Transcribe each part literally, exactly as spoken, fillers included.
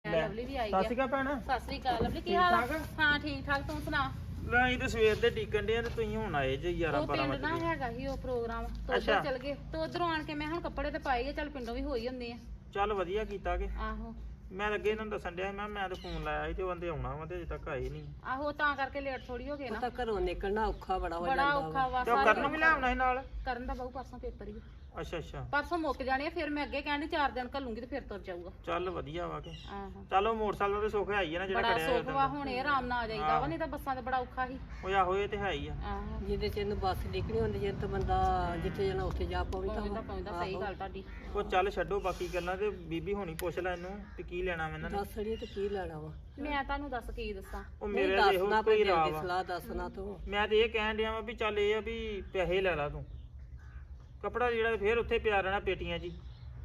Lovely ਵੀ ਆਈ ਸਤਿ ਸ਼੍ਰੀ ਅਕਾਲ ਭੈਣ। ਸਤਿ ਸ੍ਰੀ ਅਕਾਲ ਲਵਲੀ, ਕੀ ਹਾਲ ਆ? ਹਾਂ ਠੀਕ ਠਾਕ, ਤੂੰ ਸੁਣਾ? ਲੈ ਅਸੀਂ ਤੇ ਸਵੇਰ ਦੇ ਟਿਕਣ ਦੇ ਆ ਤੇ ਤੁਸੀਂ ਹੁਣ ਆਏ ਜੇ ਗਿਆਰਾਂ ਉਹ ਬਾਰਾਂ ਪਿੰਡ ਨਾ ਵਜੇ। ਹੈਗਾ ਸੀ ਉਹ ਪ੍ਰੋਗਰਾਮ ਤੋਂ ਅੱਛਾ। ਉੱਧਰ ਚਲ ਗਏ ਤੇ ਉਧਰੋਂ ਆਣ ਕੇ ਮੈਂ ਹੁਣ ਕੱਪੜੇ ਤੇ ਪਾਏ ਆ, ਚੱਲ ਪਿੰਡੋਂ ਵੀ ਹੋਈ ਹੁੰਦੇ ਆ। ਚੱਲ ਵਧੀਆ ਕੀਤਾ ਕਿ ਆਹੋ ਮੈਂ ਲੱਗੇ ਇਹਨਾਂ ਨੂੰ ਦੱਸਣ ਡਿਆ ਸੀ, ਮੈਂ ਮੈਂ ਤੇ ਫੋਨ ਲਾਇਆ ਸੀ ਤੇ ਉਹ ਕਹਿੰਦੇ ਆਉਣਾ ਵਾ ਤੇ ਅਜੇ ਤੱਕ ਆਏ ਨਹੀਂ। ਆਹੋ ਤਾਂ ਕਰਕੇ ਲੇਟ ਥੋੜੀ ਹੋ ਗਏ ਨਾ। ਤਾਂ ਘਰੋਂ ਨਿਕਲਣਾ ਔਖਾ ਬੜਾ ਹੋ ਬੜਾ ਜਾਂਦਾ ਔਖਾ ਵਾ ਤੇ ਉਹ ਸਾਰੇ ਕਰਨ ਨੂੰ ਵੀ ਲਿਆਉਣਾ ਸੀ ਨਾਲ। ਕਰਨ ਦਾ ਬਹੁ ਪਰਸੋਂ ਪੇਪਰ ਹੀ ਆ। ਅੱਛਾ ਅੱਛਾ ਪਰਸੋਂ ਮੁੱਕ ਜਾਣੇ ਆ, ਫਿਰ ਮੈਂ ਅੱਗੇ ਕਹਿੰਦੀ ਚਾਰ ਦਿਨ ਘੱਲੂਗੀ ਤੇ ਫਿਰ ਤੁਰ ਜਾਊਗਾ। ਚੱਲ ਵਧੀਆ ਵਾ ਕਿ ਆਹੋ ਚਲੋ ਮੋਟਰਸਾਈਕਲ ਤੇ ਸੁੱਖ ਹੈ ਹੀ ਆ ਨਾ ਜਿਹੜਾ ਬੜਾ ਖੜਿਆ ਸੁੱਖ ਵਾ, ਹੁਣ ਇਹ ਆਰਾਮ ਨਾਲ ਆ ਜਾਈਦਾ ਵਾ, ਨਹੀਂ ਤਾਂ ਬੱਸਾਂ ਤੇ ਬੜਾ ਔਖਾ ਸੀ। ਉਹ ਆਹੋ ਇਹ ਤੇ ਹੈ ਹੀ ਆ। ਆਹੋ ਜਿਹਦੇ ਚ ਇਹਨੂੰ ਬੱਸ ਨਿਕਲੀ ਹੁੰਦੀ ਜੇ ਤਾਂ ਬੰਦਾ ਜਿੱਥੇ ਜਾਣਾ ਉੱਥੇ ਜਾ ਪਉਂਦਾ ਪਹੁੰਚਦਾ ਪਹੁੰਚਦਾ, ਸਹੀ ਗੱਲ ਤੁਹਾਡੀ। ਉਹ ਚੱਲ ਛੱਡੋ ਬਾਕੀ ਗੱਲਾਂ ਤੇ ਬੀਬੀ ਹੋਣੀ ਪੁੱਛ ਲੈ ਇਹਨੂੰ ਤੇ ਕੀ ਲੈਣਾ ਮੈਂ ਇਹਨਾਂ ਨੇ। ਦੱਸ ਅੜੀਏ ਤੇ ਕੀ ਲੈਣਾ ਵਾ? ਮੈਂ ਤੁਹਾਨੂੰ ਦੱਸ ਕੀ ਦੱਸਾਂ। ਉਹ ਨਹੀਂ ਮੇਰੇ ਤੇ ਇਹੋ ਦੱਸਣਾ ਕੋਈ ਕੋਈ ਰਾਹ ਦੀ ਵਾ। ਸਲਾਹ ਦੱਸਣਾ ਤੂੰ। ਮੈਂ ਤੇ ਇਹ ਕਹਿਣ ਡਿਆ ਵਾ ਵੀ ਚੱਲ ਇਹ ਆ ਵੀ ਪੈਸੇ ਲੈ ਲਾ ਤੂੰ, ਕੱਪੜਾ ਜਿਹੜਾ ਫੇਰ ਉੱਥੇ ਪਿਆ ਰਹਿਣਾ ਪੇਟੀਆਂ 'ਚ ਹੀ।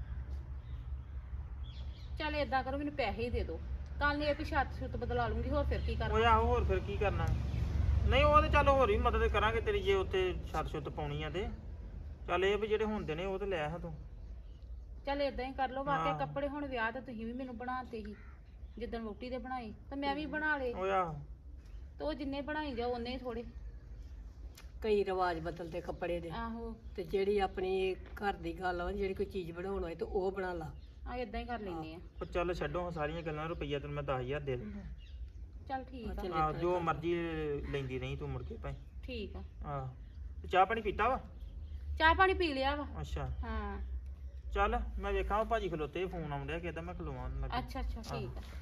ਚੱਲ ਏਦਾਂ ਕਰੋ, ਮੈਨੂੰ ਪੈਸੇ ਹੀ ਦੇ ਦਿਓ, ਕੱਲ ਨੂੰ ਇਹ ਵੀ ਛੱਤ ਛੁੱਤ ਬਦਲਾ ਲੂੰਗੀ, ਹੋਰ ਫਿਰ ਕੀ ਕਰਨਾ। ਉਹ ਆਹੋ ਹੋਰ ਫਿਰ ਕੀ ਕਰਨਾ। ਨਹੀਂ ਉਹ ਤੇ ਚੱਲ ਹੋਰ ਵੀ ਮਦਦ ਕਰਾਂਗੇ ਤੇਰੀ, ਜੇ ਉੱਥੇ ਛੱਤ ਛੁੱਤ ਪਾਉਣੀ ਆ ਤੇ ਚੱਲ ਇਹ ਵੀ ਜਿਹੜੇ ਹੁੰਦੇ ਨੇ ਉਹ ਤੇ ਲੈ ਆ ਤੂੰ। ਚੱਲ ਏਦਾਂ ਹੀ ਕਰ ਲਓ। ਵਾਕਿਆ ਹਾਂ। ਕੱਪੜੇ ਹੁਣ ਵਿਆਹ ਤੇ ਤੁਸੀਂ ਵੀ ਮੈਨੂੰ ਬਣਾਤੇ ਸੀ, ਜਿੱਦਣ ਵੋਟੀ ਦੇ ਬਣਾਏ ਤੇ ਮੈਂ ਵੀ ਬਣਾ ਲਏ, ਉਹ ਆਹੋ ਤੇ ਉਹ ਜਿੰਨੇ ਬਣਾਈ ਜਾਓ ਉਹਨੇ ਹੀ ਥੋੜੇ। ਕਈ ਰਿਵਾਜ ਬਦਲਦੇ ਕੱਪੜੇ ਦੇ, ਆਹੋ ਤੇ ਜਿਹੜੀ ਆਪਣੀ ਘਰ ਦੀ ਗੱਲ ਵਾ, ਜਿਹੜੀ ਕੋਈ ਚੀਜ਼ ਬਣਾਉਣ ਹੋਏ ਤੇ ਉਹ ਬਣਾ ਲਾ। ਆ ਏਦਾਂ ਹੀ ਕਰ ਲੈਨੇ ਆ। ਉਹ ਚੱਲ ਛੱਡੋ ਹੁਣ ਸਾਰੀਆਂ ਗੱਲਾਂ, ਰੁਪਈਆ ਤੈਨੂੰ ਮੈਂ ਦਸ ਹਜ਼ਾਰ ਦੇ ਦਿੰਦਾ। ਚੱਲ ਠੀਕ ਆ। ਆਹ ਜੋ ਮਰਜ਼ੀ ਲੈਂਦੀ ਰਹੀ ਤੂੰ ਮੁੜ ਕੇ ਭਾਈ। ਠੀਕ ਆ। ਆਹ ਤੇ ਚਾਹ ਪਾਣੀ ਪੀਤਾ ਵਾ? ਚਾਹ ਪਾਣੀ ਪੀ ਲਿਆ ਵਾ। ਅੱਛਾ ਹਾਂ ਚੱਲ ਮੈਂ ਵੇਖਾਂ ਉਹ ਭਾਜੀ ਖਲੋਤੇ ਫੋਨ ਆਉਣ ਡਿਆ ਕਿਦਾਂ ਮੈਂ ਖਲੋਵਾਂ ਲੱਗਾ। ਅੱਛਾ ਅੱਛਾ ਠੀਕ ਆ।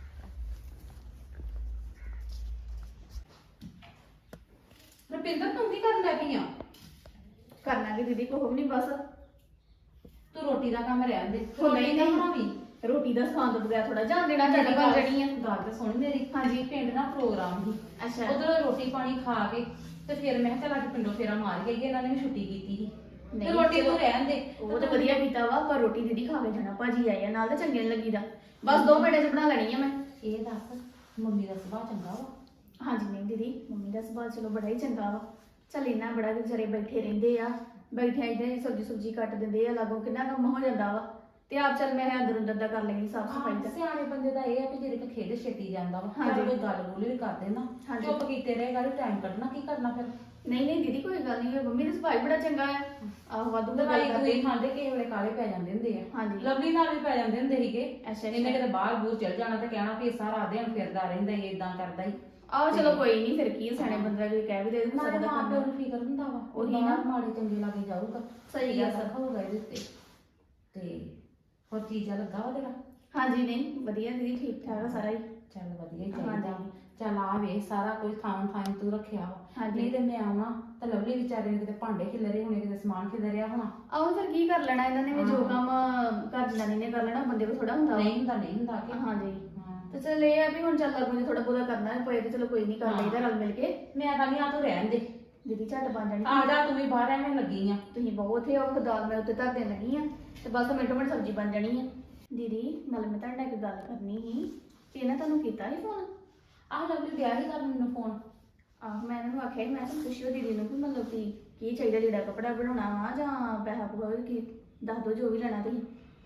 ਰੁਪਿੰਦਰ ਤੂੰ ਕੀ ਕਰਨ ਲੱਗੀ ਆ? ਕਰਨਾ ਕਿ ਦੀਦੀ ਕੋਹ ਨਹੀਂ ਬਸ ਤੂੰ ਰੋਟੀ ਦਾ ਕੰਮ ਰਹਿਣ ਦੇ। ਉਹ ਨਹੀਂ ਰੋਟੀ ਦਾ ਨਹੀਂ ਬਣਾਵੀਂ। ਰੋਟੀ ਦਾ ਸਵਾਦ ਤੋਂ ਬਗੈਰ ਥੋੜਾ ਜਾਣ ਦੇਣਾ ਤੁਹਾਡੀ ਬਣ ਜਣੀ ਆ। ਗੱਲ ਤਾਂ ਸੁਣ ਮੇਰੀ। ਹਾਂਜੀ ਪਿੰਡ ਨਾ ਪ੍ਰੋਗਰਾਮ ਸੀ, ਅੱਛਾ ਉਧਰੋਂ ਰੋਟੀ ਪਾਣੀ ਖਾ ਕੇ ਤੇ ਫਿਰ ਮੈਂ ਕਿਹਾ ਚੱਲ ਅੱਜ ਪਿੰਡੋਂ ਫੇਰਾ ਮਾਰ ਕੇ ਆਈਏ, ਇਹਨਾਂ ਨੇ ਵੀ ਛੁੱਟੀ ਕੀਤੀ ਸੀ ਤੇ ਨਹੀਂ, ਰੋਟੀ ਚਲੋ। ਤੂੰ ਰਹਿਣ ਦੇ। ਉਹ ਤਾਂ ਵਧੀਆ ਕੀਤਾ ਵਾ, ਪਰ ਰੋਟੀ ਦੀਦੀ ਖਾ ਕੇ ਜਾਣਾ, ਭਾਜੀ ਆਏ ਆ ਨਾਲ, ਤਾਂ ਚੰਗੇ ਨੀ ਲੱਗੀਦਾ। ਬਸ ਦੋ ਮਿੰਟਾਂ 'ਚ ਬਣਾ ਲੈਣੀ ਆ ਮੈਂ। ਇਹ ਦੱਸ ਮੰਮੀ ਦਾ ਸੁਭਾਅ ਚੰਗਾ ਵਾ? ਹਾਂਜੀ ਨਹੀਂ ਦੀਦੀ, ਮੰਮੀ ਦਾ ਸੁਭਾਅ ਚਲੋ ਬੜਾ ਹੀ ਚੰਗਾ ਵਾ। ਚੱਲ ਇੰਨਾ ਬੜਾ ਵੀ ਵਿਚਾਰੇ ਬੈਠੇ ਰਹਿੰਦੇ ਆ, ਬੈਠਿਆਂ ਇਹਦੇ ਸਬਜ਼ੀ ਸੁਬਜ਼ੀ ਕੱਟ ਦਿੰਦੇ ਆ, ਲਾਗੋਂ ਕਿੰਨਾ ਕੰਮ ਹੋ ਜਾਂਦਾ ਵਾ। ਤੇ ਆਪ ਚੱਲ ਮੈਂ ਅੰਦਰ ਅੰਦਰ ਦਾ ਕਰ ਲੈਣੀ ਸਾਫ ਸਫਾਈ ਦਾ। ਸਿਆਣੇ ਬੰਦੇ ਦਾ ਇਹ ਆ ਕਿ ਜਿਹੜੇ ਕੋ ਖੇਡ ਛੇਤੀ ਜਾਂਦਾ ਵਾ, ਹਾਂਜੀ। ਚੱਲ ਕੋਈ ਗੱਲ ਗੁੱਲ ਵੀ ਕਰਦੇ ਨਾ, ਹਾਂਜੀ। ਚੁੱਪ ਕੀਤੇ ਰਹੇਗਾ ਤੇ ਟਾਈਮ ਕੱਢਣਾ ਕੀ ਕਰਨਾ ਫਿਰ। ਨਹੀਂ ਨਹੀਂ ਦੀਦੀ ਕੋਈ ਗੱਲ ਨਹੀਂ, ਮੰਮੀ ਦਾ ਸੁਭਾਅ ਹੀ ਬੜਾ ਚੰਗਾ ਆ। ਆਹੋ ਵਾਧੂ ਦਾ ਦਵਾਈ ਗੱਲ ਦੂਈ ਕਰਦੇ। ਖਾਂਦੇ ਕਿਸੇ ਵੇਲੇ ਕਾਲੇ ਪੈ ਜਾਂਦੇ ਹੁੰਦੇ ਆ। ਹਾਂਜੀ। ਲਵਲੀ ਨਾਲ ਵੀ ਪੈ ਜਾਂਦੇ ਹੁੰਦੇ ਸੀਗੇ। ਅੱਛਾ ਇਹਨੇ ਅੱਛਾ। ਕਿਤੇ ਬਾਹਰ ਬੂਰ ਚਲ ਜਾਣਾ ਤੇ ਕਹਿਣਾ ਵੀ ਇਹ ਸਾਰਾ ਦਿਨ ਫਿਰਦਾ ਰਹਿੰਦਾ ਹੀ ਇਦਾਂ ਕਰਦਾ ਹੀ। ਆਹੋ ਚਲੋ ਕੋਈ ਨਹੀਂ, ਫਿਰ ਕੀ ਆ, ਸਿਆਣੇ ਬੰਦੇ ਦਾ ਕੋਈ ਕਹਿ ਵੀ ਦੇ ਦੇ ਨਾਲੇ ਸਕਦਾ ਮਾਂ ਪਿਓ ਨੂੰ ਫਿਕਰ ਹੁੰਦਾ ਵਾ, ਉਹੀ ਉਹੀ ਨਾ। ਨਾ ਮਾੜੇ ਚੰਗੇ ਲਾਗੇ ਜਾਊਗਾ। ਸਹੀ ਗੱਲ ਆ। ਸਭ ਹੋਊਗਾ ਇਹਦੇ ਉੱਤੇ। ਤੇ ਹੋਰ ਚੀਜ਼ਾਂ ਲੱਗਾ ਵਾ ਤੇਰਾ? ਹਾਂਜੀ ਨਹੀਂ ਵਧੀਆ ਦੀਦੀ, ਠੀਕ ਠਾਕ ਆ ਸਾਰਾ ਹੀ। ਚੱਲ ਵਧੀਆ ਹੀ ਹਾਂਜੀ। ਚਾਹੀਦਾ। ਚੱਲ ਆ ਵੇ ਸਾਰਾ ਕੁਝ ਥਾਂ ਥਾਂ ਤੂੰ ਰੱਖਿਆ ਵਾ। ਹਾਂਜੀ। ਨਹੀਂ ਤੇ ਮੈਂ ਆਉਣਾ ਤਾਂ ਲਵਲੀ ਵਿਚਾਰੇ ਨੇ ਕਿਤੇ ਭਾਂਡੇ ਖਿਲਰੇ ਹੋਣੇ, ਕਿਤੇ ਸਮਾਨ ਖਿਲਰਿਆ ਹੋਣਾ। ਆਹੋ ਫਿਰ ਕੀ ਕਰ ਲੈਣਾ ਇਹਨਾਂ ਨੇ ਵੀ, ਜੋ ਹਾਂ। ਕੰਮ ਘਰ ਜਨਾਨੀ ਨੇ ਕਰ ਲੈਣਾ ਬੰਦੇ ਕੋ ਥੋੜਾ ਹੁੰਦਾ ਵਾ। ਨਹੀਂ ਹੁੰਦਾ ਨਹੀਂ ਹੁੰਦਾ ਕਿ ਹਾਂਜੀ ਹਾਂ। ਤੇ ਚਲ ਇਹ ਆ ਵੀ ਹੁਣ ਚੱਲ ਲੱਗੂ ਜੇ ਥੋੜਾ ਬਹੁਤਾ ਕਰਨਾ ਪਏ ਤੇ ਚਲੋ ਕੋਈ ਨਹੀਂ, ਕਰ ਲਈਦਾ ਰਲ ਮਿਲ ਕੇ। ਮੈਂ ਕਹਿੰਦੀ ਆ ਤੂੰ ਰਹਿਣ ਦੇ, ਦੀਦੀ ਝੱਟ ਬਣ ਜਾਣੀ। ਆ ਜਾ ਤੂੰ ਵੀ ਬਾਹਰ ਐਵੇਂ ਲੱਗੀ ਆ। ਤੁਸੀਂ ਬਹੁਤ ਉੱਥੇ ਉਹ ਦਾਲ ਮੈਂ ਉੱਤੇ ਧਰ ਦੇਣ ਲੱਗੀ ਆ, ਤੇ ਬਸ ਮਿੰਟੋ ਮਿੰਟ ਸਬਜ਼ੀ ਬਣ ਜਾਣੀ ਆ। ਦੀਦੀ ਨਾਲ ਮੈਂ ਤੁਹਾਡੇ ਨਾਲ ਇੱਕ ਗੱਲ ਕਰਨੀ ਸੀ ਕਿ ਇਹਨਾਂ ਤੁਹਾਨੂੰ ਕੀਤਾ ਸੀ ਫੋਨ? ਆਹ ਲਵਲੀ ਦਿਆ ਹੀ ਕਰ ਮੈਨੂੰ ਫੋਨ। ਆਹੋ ਮੈਂ ਇਹਨਾਂ ਨੂੰ ਆਖਿਆ ਸੀ, ਮੈਂ ਕਿਹਾ ਪੁੱਛਿਓ ਦੀਦੀ ਨੂੰ ਕਿ ਮਤਲਬ ਕਿ ਕੀ ਚਾਹੀਦਾ, ਜਿਹੜਾ ਕੱਪੜਾ ਬਣਾਉਣਾ ਵਾ ਜਾਂ ਪੈਸਾ ਪੂਰਾ ਕੀ ਦੱਸ ਦਿਓ, ਜੋ ਵੀ ਲੈਣਾ ਤੁਸੀਂ।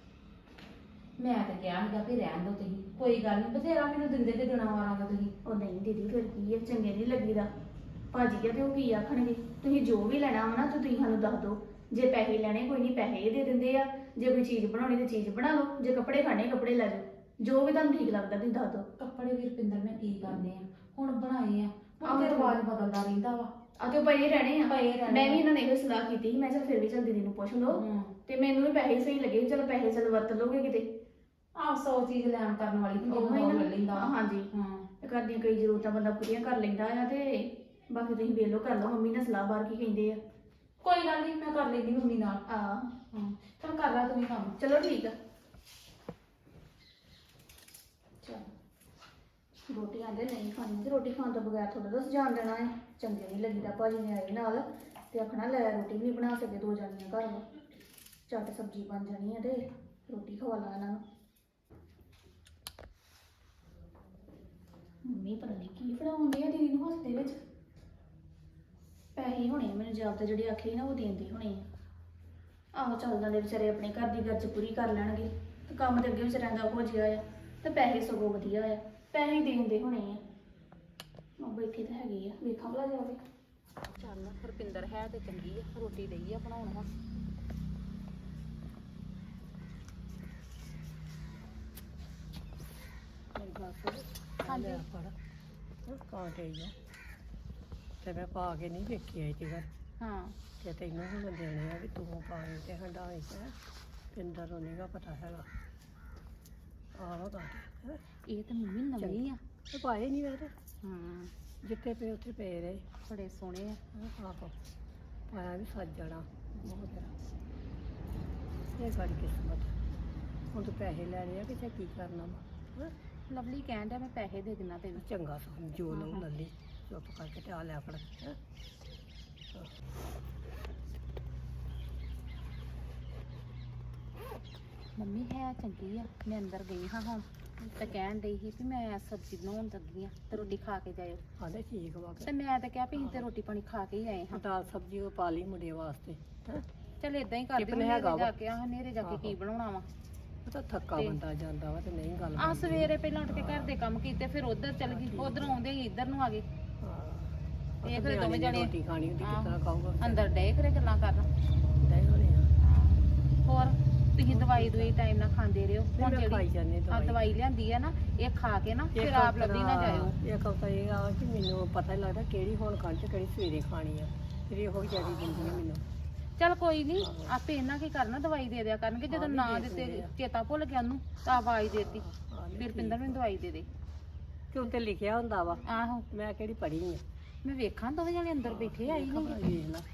ਮੈਂ ਤਾਂ ਕਿਹਾ ਸੀਗਾ ਵੀ ਰਹਿਣ ਦੋ ਤੁਸੀਂ, ਕੋਈ ਗੱਲ ਨਹੀਂ, ਬਥੇਰਾ ਮੈਨੂੰ ਦਿੰਦੇ ਤੇ ਦੇਣਾ ਵਾਰਾਂਗਾ ਤੁਸੀਂ। ਉਹ ਨਹੀਂ ਦੀਦੀ ਫਿਰ ਕੀ ਹੈ, ਚੰਗੇ ਨਹੀਂ ਲੱਗੀਦਾ। ਭਾਜੀ ਆ ਤੇ ਉਹ ਕੀ ਆਖਣਗੇ। ਤੁਸੀਂ ਜੋ ਵੀ ਲੈਣਾ ਵਾ ਨਾ ਤੇ ਤੁਸੀਂ ਸਾਨੂੰ ਦੱਸ ਦਿਓ। ਜੇ ਪੈਸੇ ਲੈਣੇ ਕੋਈ ਨਹੀਂ, ਪੈਸੇ ਦੇ ਦਿੰਦੇ ਆ। ਜੇ ਕੋਈ ਚੀਜ਼ ਬਣਾਉਣੀ ਤੇ ਚੀਜ਼ ਬਣਾ ਲਓ, ਜੇ ਕੱਪੜੇ ਖਾਣੇ ਕੱਪੜੇ ਲੈ ਜਾਓ, ਜੋ ਵੀ ਤੁਹਾਨੂੰ ਠੀਕ ਲੱਗਦਾ ਤੁਸੀਂ ਦੱਸ ਦਿਓ। ਕੱਪੜੇ ਵੀ ਰੁਪਿੰਦਰ ਮੈਂ ਕੀ ਕਰਨੇ ਆ, ਹੁਣ ਬਣਾਏ ਆ, ਆਹੋ ਹੁਣ ਤੇ ਤੇ ਰਿਵਾਜ ਬਦਲਦਾ ਰਹਿੰਦਾ ਵਾ। ਆ ਤੇ ਉਹ ਪਏ ਰਹਿਣੇ ਆ। ਪਏ ਰਹਿਣੇ ਮੈਂ ਵੀ ਆ। ਇਹਨਾਂ ਨੇ ਇਹੋ ਸਲਾਹ ਕੀਤੀ ਸੀ, ਮੈਂ ਚਲ ਫਿਰ ਵੀ ਚਲ ਦੀਦੀ ਨੂੰ ਪੁੱਛ ਲਓ। ਹੂੰ। ਤੇ ਮੈਨੂੰ ਵੀ ਪੈਸੇ ਸਹੀ ਲੱਗੇ, ਚਲ ਪੈਸੇ ਚਲ ਵਰਤ ਲਓਗੇ ਕਿਤੇ। ਆਹ ਸੌ ਚੀਜ਼ ਲੈਣ ਕਰਨ ਵਾਲੀ ਹੁੰਦੀ ਉਹ ਹੀ ਉਹ ਨਾ। ਲੈ ਲੈਂਦਾ। ਹਾਂਜੀ। ਹਾਂ। ਤੇ ਘਰ ਦੀਆਂ ਕਈ ਜ਼ਰੂਰਤਾਂ ਬੰਦਾ ਪੂਰੀਆਂ ਕਰ ਲੈਂਦਾ ਆ, ਤੇ ਬਾਕੀ ਤੁਸੀਂ ਵੇਖ ਲਓ ਕਰ ਲਓ, ਮੰਮੀ ਨਾਲ ਸਲਾਹ ਬਾਰ ਕੀ ਕਹਿੰਦੇ ਆ। ਕੋਈ ਗੱਲ ਨਹੀਂ, ਮੈਂ ਕਰ ਲੈਂਦੀ ਮੰਮੀ ਨਾਲ। ਆ ਹਾਂ ਚਲ ਕਰ ਲੈ ਤੂੰ ਵੀ ਕੰਮ। ਚਲੋ ਠੀਕ ਆ। ਚਲ ਰੋਟੀ ਆਂਦੇ ਨਹੀਂ ਖਾਣੀ, ਤੇ ਰੋਟੀ ਖਾਣ ਤੋਂ ਬਗੈਰ ਥੋੜਾ ਦੱਸ ਜਾਣ ਦੇਣਾ ਹੈ। ਚੰਗੇ ਨਹੀਂ ਲੱਗੀਦਾ, ਭਾਜੀ ਨੇ ਆਏ ਨਾਲ ਤੇ ਆਖਣਾ ਲੈ ਰੋਟੀ ਵੀ ਨਹੀਂ ਬਣਾ ਸਕੇ, ਦੋ ਜਾਣੀਆਂ ਘਰ ਵਾ, ਝੱਟ ਸਬਜ਼ੀ ਬਣ ਜਾਣੀ ਹੈ ਤੇ ਰੋਟੀ ਖਵਾ ਲਾ ਇਹਨਾਂ ਨੂੰ। ਮੰਮੀ ਪਤਾ ਨਹੀਂ ਕੀ ਫੜਾਉਂਦੇ ਆ ਦੀਦੀ ਨੂੰ ਹੱਸਦੇ ਵਿੱਚ। ਪੈਸੇ ਹੋਣੇ ਮੈਨੂੰ ਜਵਾਬ ਤੇ ਜਿਹੜੇ ਆਖੇ ਨਾ ਉਹ ਦੇਂਦੇ ਹੋਣੇ ਆ। ਆਹੋ ਚੱਲ ਜਾਂਦੇ ਵਿਚਾਰੇ, ਆਪਣੇ ਘਰ ਦੀ ਗਰਜ ਪੂਰੀ ਕਰ ਲੈਣਗੇ ਤੇ ਕੰਮ ਤੇ ਅੱਗੇ ਵਿਚਾਰਿਆਂ ਦਾ ਹੋ ਜਿਆ ਆ। ਤੇ ਪੈਸੇ ਸਗੋਂ ਵਧੀਆ ਆ, ਪੈਸੇ ਦੇ ਦਿੰਦੇ ਹੋਣੇ ਆ। ਉਹ ਬੈਠੇ ਤਾਂ ਹੈਗੇ ਆ, ਵੇਖਾਂ ਭਲਾ ਜਾ ਕੇ। ਚੱਲ ਰੁਪਿੰਦਰ ਹੈ ਤੇ ਚੰਗੀ ਆ, ਰੋਟੀ ਡਈ ਆ ਬਣਾਉਣ ਹੁਣ। ਹਾਂਜੀ ਫੜ ਕਾਂਟੇ ਹੀ ਆ ਤੇ ਮੈਂ ਪਾ ਕੇ ਨਹੀਂ ਵੇਖੀ ਆਈ ਤੇ ਘਰ ਹਾਂ ਤੇ ਤੈਨੂੰ ਹੁਣ ਦੇਣੇ ਆ ਵੀ ਤੂੰ ਪਾਣੀ ਤੇ ਹੰਡਾਈ ਤੇ ਪਿੰਦਰ ਨੂੰ ਨਹੀਂਗਾ ਪਤਾ ਹੈਗਾ ਆਹੋ ਕਾਂਟੇ ਇਹ ਤਾਂ ਮੰਮੀ ਨਵੀਂ ਆ। ਤੇ ਪਾਏ ਨਹੀਂ ਮੇਰੇ ਹਾਂ ਜਿੱਥੇ ਪਏ ਉੱਥੇ ਪਏ ਰਹੇ ਬੜੇ ਸੋਹਣੇ ਆ। ਆਹੋ ਪਾਇਆ ਵੀ ਸੱਜ ਜਾਣਾ ਬਹੁਤ ਇਹ ਸਾਡੀ ਕਿਸਮਤ ਹੁਣ ਤੂੰ ਪੈਸੇ ਲੈਣੇ ਆ ਕਿ ਕੀ ਕਰਨਾ ਵਾ ਲਵਲੀ ਕਹਿਣ ਡਿਆ ਮੈਂ ਪੈਸੇ ਦੇ ਦਿਨਾ ਤੈਨੂੰ। ਚੰਗਾ ਸਮਝੋ ਲਓ ਲੱਲੀ ਚੁੱਪ ਕਰਕੇ ਤੇ ਆ ਲਿਆ ਫੜ ਹੈਂ। ਮੰਮੀ ਹੈ ਚੰਗੀ ਆ। ਮੈਂ ਅੰਦਰ ਗਈ ਹਾਂ ਹੁਣ ਤੇ ਕਹਿਣ ਡਈ ਸੀ ਵੀ ਮੈਂ ਸਬਜ਼ੀ ਬਣਾਉਣ ਲੱਗੀ ਆ ਤੇ ਰੋਟੀ ਖਾ ਕੇ ਜਾਇਓ। ਆਂਦੇ ਠੀਕ ਵਾ ਤੇ ਮੈਂ ਤਾਂ ਕਿਹਾ ਵੀ ਅਸੀਂ ਤੇ ਰੋਟੀ ਪਾਣੀ ਖਾ ਕੇ ਹੀ ਆਏ ਹਾਂ। ਦਾਲ ਸਬਜ਼ੀ ਉਹ ਪਾ ਲਈ ਮੁੰਡੇ ਵਾਸਤੇ ਹੈਂ। ਚੱਲ ਇਦਾਂ ਹੀ ਕਰਦੇ ਟਿਫਨ ਹਾਂ ਹੈਗਾ ਵਾ। ਜਾ ਕੇ ਆਹ ਹਨੇਰੇ ਜਾ ਕੇ ਕੀ ਬਣਾਉਣਾ ਵਾ। ਉਹ ਤਾਂ ਥੱਕਾ ਤੇ- ਬੰਦਾ ਜਾਂਦਾ ਵਾ ਤੇ ਨਹੀਂ ਗੱਲ ਆ ਸਵੇਰੇ ਪਹਿਲਾਂ ਉੱਠ ਕੇ ਘਰ ਦੇ ਕੰਮ ਕੀਤੇ ਫਿਰ ਉਧਰ ਚੱਲ ਗਈ, ਉਧਰ ਆਉਂਦੇ ਹੀ ਇੱਧਰ ਨੂੰ ਆ ਗਏ। ਇਹ ਫਿਰ ਦੋਵੇਂ ਜਣੇ ਰੋਟੀ ਖਾਣੀ ਹੁੰਦੀ ਕਿਸ ਤਰ੍ਹਾਂ ਖਾਊਗਾ ਅੰਦਰ ਡੇ ਕਰੇ ਗੱਲਾਂ ਕਰਨ। ਨਹੀਂ ਹੋਣੀ ਆ ਹੋਰ ਤੁਸੀਂ ਦਵਾਈ ਦਵਾਈ ਟਾਈਮ ਨਾਲ ਖਾਂਦੇ ਰਹੋ। ਹੁਣ ਮੈਂ ਖਾਈ ਜਿਹੜੀ ਜਾਂਦੀ ਆ ਦਵਾਈ ਦਵਾਈ ਲਿਆਂਦੀ ਆ ਨਾ ਇਹ ਖਾ ਕੇ ਨਾ ਫਿਰ ਆਪ ਲੱਭੀ ਨਾ ਜਾਇਓ। ਇੱਕ ਹਫ਼ਤਾ ਇਹ ਆ ਕਿ ਮੈਨੂੰ ਪਤਾ ਹੀ ਲੱਗਦਾ ਕਿਹੜੀ ਹੁਣ ਖਾਣ ਚ ਕਿਹੜੀ ਸਵੇਰੇ ਖਾਣੀ ਆ ਫਿਰ ਇਹੋ ਜਿਆਦੀ ਦਿੰਦੀ ਆ ਮੈਨੂੰ। ਚੱਲ ਕੋਈ ਨਹੀਂ ਆਪੇ ਇਹਨਾਂ ਕੀ ਕਰਨਾ ਦਵਾਈ ਦੇ ਦਿਆ ਕਰਨਗੇ। ਜਦੋਂ ਨਾ ਦਿੱਤੇ ਚੇਤਾ ਭੁੱਲ ਗਿਆ ਉਹਨੂੰ ਤਾਂ ਆਵਾਜ਼ ਦੇਤੀ ਫਿਰ ਪਿੰਦਰ ਨੂੰ ਦਵਾਈ ਦੇ ਦੇ। ਕਿ ਉੱਤੇ ਲਿਖਿਆ ਹੁੰਦਾ ਵਾ ਆਹੋ ਮੈਂ ਕਿਹੜੀ ਪੜ੍ਹੀ ਆ ਮੈਂ ਵੇਖਾਂ ਦੋਵੇਂ ਜਣੇ ਅੰਦਰ ਬੈਠੇ ਆਈ ਨਹੀਂ। ਵੇਖ ਲਾ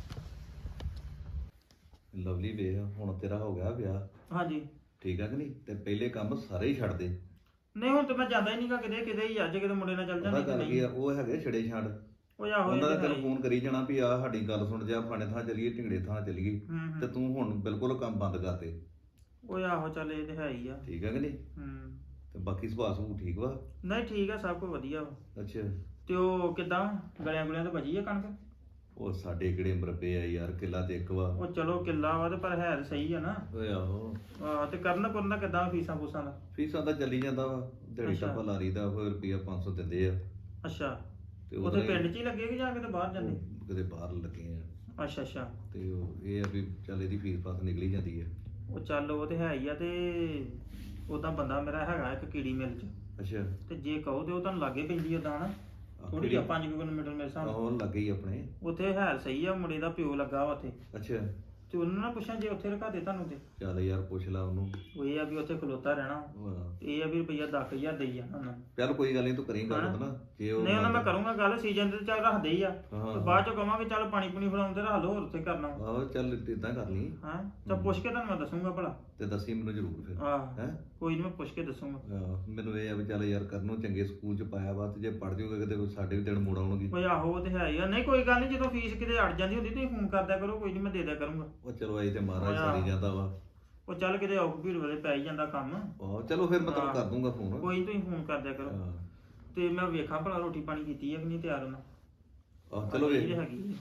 ਲਵਲੀ ਵੇਖ ਹੁਣ ਤੇਰਾ ਹੋ ਗਿਆ ਵਿਆਹ ਹਾਂਜੀ ਠੀਕ ਆ ਕਿ ਨਹੀਂ ਤੇ ਪਹਿਲੇ ਕੰਮ ਸਾਰੇ ਹੀ ਛੱਡ ਦੇ। ਨਹੀਂ ਹੁਣ ਤੇ ਮੈਂ ਜਾਂਦਾ ਹੀ ਨਹੀਂਗਾ ਕਿਤੇ ਕਿਤੇ ਹੀ ਅੱਜ ਕਿਤੇ ਮੁੰਡੇ ਨਾਲ ਚੱਲ ਪਤਾ ਜਾਂਦੀ ਗੱਲ ਕੀ ਆ ਉਹ ਹੈਗੇ ਛੜੇ ਛੱਡ ਉਹ ਆਹੋ ਉਹਨਾਂ ਦਾ ਇਹ ਤਾਂ ਤੈਨੂੰ ਹੈ ਹੀ। ਫੋਨ ਕਰੀ ਜਾਣਾ ਵੀ ਆ ਸਾਡੀ ਗੱਲ ਸੁਣ ਜਾ ਫਾਣੇ ਥਾਂ ਚੱਲੀਏ ਢਿੰਗੜੇ ਥਾਂ ਚੱਲੀਏ ਹੂੰ ਤੇ ਹੂੰ ਤੂੰ ਹੁਣ ਬਿਲਕੁਲ ਕੰਮ ਬੰਦ ਕਰ ਦੇ ਉਹ ਆਹੋ ਚੱਲ ਇਹ ਤੇ ਹੈ ਹੀ ਆ। ਠੀਕ ਆ ਕਿ ਨਹੀਂ ਹੂੰ ਤੇ ਬਾਕੀ ਸੁਭਾਅ ਸੁਭੂ ਠੀਕ ਵਾ ਨਹੀਂ ਠੀਕ ਆ ਸਭ ਕੁਝ ਵਧੀਆ ਵਾ। ਅੱਛਾ ਤੇ ਉਹ ਕਿਦਾਂ ਗਲਿਆਂ ਗੁਲਿਆਂ ਤੇ ਬਜੀ ਆ ਕਣਕ। ਉਹ ਸਾਡੇ ਕਿਹੜੇ ਮਰਬੇ ਆ ਯਾਰ ਕਿੱਲਾ ਤੇ ਇੱਕ ਵਾ ਉਹ ਚਲੋ ਕਿੱਲਾ ਵਾ ਤੇ ਪਰ ਹੈ ਤਾਂ ਸਹੀ ਆ ਨਾ। ਓਏ ਆਹੋ ਆਹ ਤੇ ਕਰਨ ਕਰਨ ਦਾ ਕਿਦਾਂ ਫੀਸਾਂ ਫੂਸਾਂ ਦਾ। ਫੀਸਾਂ ਤਾਂ ਚੱਲੀ ਜਾਂਦਾ ਵਾ ਦਿਹਾੜੀ ਅੱਛਾ। ਟੱਪਾ ਲਾਰੀ ਦਾ ਕੋਈ ਰੁਪਿਆ ਪੰਜ ਸੌ ਦਿੰਦੇ ਆ ਅੱਛਾ ਤੇ ਉੱਥੇ ਉਹਦਾ ਹੀ- ਪਿੰਡ 'ਚ ਹੀ ਲੱਗੇ ਕਿ ਜਾਂ ਕਿਤੇ ਬਾਹਰ ਜਾਂਦੇ। ਉਹ ਕਿਤੇ ਬਾਹਰ ਲੱਗੇ ਆ ਅੱਛਾ ਅੱਛਾ ਤੇ ਉਹ ਇਹ ਆ ਵੀ ਚੱਲ ਇਹਦੀ ਫੀਸ ਫਾਸ ਨਿਕਲੀ ਜਾਂਦੀ ਆ ਉਹ ਚੱਲ ਉਹ ਤੇ ਹੈ ਹੀ ਆ। ਤੇ ਉਦਾਂ ਬੰਦਾ ਮੇਰਾ ਹੈਗਾ ਇੱਕ ਕੀੜੀ ਮਿਲ 'ਚ ਅੱਛਾ ਤੇ ਜੇ ਕਹੋ ਤੇ ਉਹ ਤੁਹਾਨੂੰ ਲਾਗੇ ਪੈਂਦੀ ਉਦਾਂ ਨਾ ਥੋੜੀ ਜਿਹੀ ਪੰਜ ਕਿਲੋਮੀਟਰ ਮੇਰੇ ਹਿਸਾਬ ਨਾਲ। ਆਹੋ ਲੱਗੇ ਹੀ ਆਪਣੇ ਉੱਥੇ ਹੈ ਸਹੀ ਆ ਮੁੰਡੇ ਦਾ ਪਿਓ ਲੱਗਾ ਵਾ ਉੱਥੇ ਅੱਛਾ ਤੇ ਉਹਨਾਂ ਨਾਲ ਪੁੱਛਾਂ ਜੇ ਉੱਥੇ ਰਖਾ ਦੇ ਤੁਹਾਨੂੰ ਤੇ ਚੱਲ ਯਾਰ ਪੁੱਛ ਲਾ ਉਹਨੂੰ ਉਹ ਇਹ ਆ ਵੀ ਉੱਥੇ ਖਲੋਤਾ ਰਹਿਣਾ ਹਾਂ। ਤੇ ਇਹ ਆ ਵੀ ਰੁਪਈਆ ਦਸ ਹਜ਼ਾਰ ਦੇਈ ਜਾਣਾ ਉਹਨਾਂ ਨੂੰ। ਚੱਲ ਕੋਈ ਗੱਲ ਨਹੀਂ ਤੂੰ ਕਰੀ ਗੱਲ ਹਾਂ। ਨਾ ਜੇ ਉਹ ਨਹੀਂ ਉਹਨਾਂ ਮੈਂ ਕਰੂੰਗਾ ਗੱਲ ਸੀਜ਼ਨ ਤੇ ਚੱਲ ਰੱਖਦੇ ਹੀ ਆ ਹਾਂ। ਤੇ ਬਾਅਦ ਚ ਕਹਾਂਗੇ ਚੱਲ ਪਾਣੀ ਪੂਣੀ ਫੜਾਉਣ ਤੇ ਰੱਖ ਲਓ ਹੋਰ ਉੱਥੇ ਕਰਨਾ ਆਹੋ ਚੱਲ ਇਦਾਂ ਕਰ ਲਈ ਹਾਂ ਤਾਂ ਪੁੱਛ ਕੇ ਤੁਹਾਨੂੰ ਮੈਂ ਦੱਸੂਗਾ ਭਲਾ। ਤੇ ਦੱਸੀ ਮੈਨੂੰ ਜ਼ਰੂਰ ਫਿਰ ਆਹ ਹੈ ਕੋਈ ਨਹੀਂ ਮੈਂ ਪੁੱਛ ਕੇ ਦੱਸੂਗਾ। ਮੈਨੂੰ ਇਹ ਆ ਵੀ ਚੱਲ ਯਾਰ ਕਰਨ ਨੂੰ ਚੰਗੇ ਸਕੂਲ ਚ ਪਾਇਆ ਵਾ ਤੇ ਜੇ ਪੜ ਜਾਊਗਾ ਕਿਤੇ ਸਾਡੇ ਵੀ ਦਿਨ ਮੋੜ ਆਉਣਗੇ। ਓਏ ਆਹੋ ਉਹ ਤੇ ਹੈ ਹੀ ਆ। ਨਹੀਂ ਕੋਈ ਗੱਲ ਨਹੀਂ ਜਦੋਂ ਫੀਸ ਕਿਤੇ ਅੜ ਜਾਂਦੀ ਹੁੰਦੀ ਤੁਸੀਂ ਫੋਨ ਕਰਦਿਆ ਕਰੋ ਕੋਈ ਨਹੀਂ ਮੈਂ ਦੇ ਦਿਆ ਕਰੂੰਗਾ। ਉਹ ਚਲੋ ਆਈ ਤੇ ਮਹਾਰਾਜ ਹੋਇਆ। ਸਾਰੀ ਜਾਂਦਾ ਵਾ ਉਹ ਚੱਲ ਕਿਤੇ ਔਖ ਭੀੜ ਵੇਲੇ ਪੈ ਹੀ ਜਾਂਦਾ ਕੰਮ। ਆਹੋ ਚਲੋ ਫਿਰ ਮੈਂ ਤੈਨੂੰ ਹਾਂ। ਕਰ ਦੂੰਗਾ ਫੋਨ ਕੋਈ ਨੀ ਤੁਸੀਂ ਫੋਨ ਕਰਦਿਆ ਕਰੋ ਹਾਂ। ਤੇ ਮੈਂ ਵੇਖਾਂ ਭਲਾ ਰੋਟੀ ਪਾਣੀ ਕੀਤੀ ਹੈ ਕਿ ਨਹੀਂ ਤਿਆਰ ਉਹਨਾਂ। ਆਹ ਚਲੋ ਇਹ ਵੇਖ ਹੈਗੀ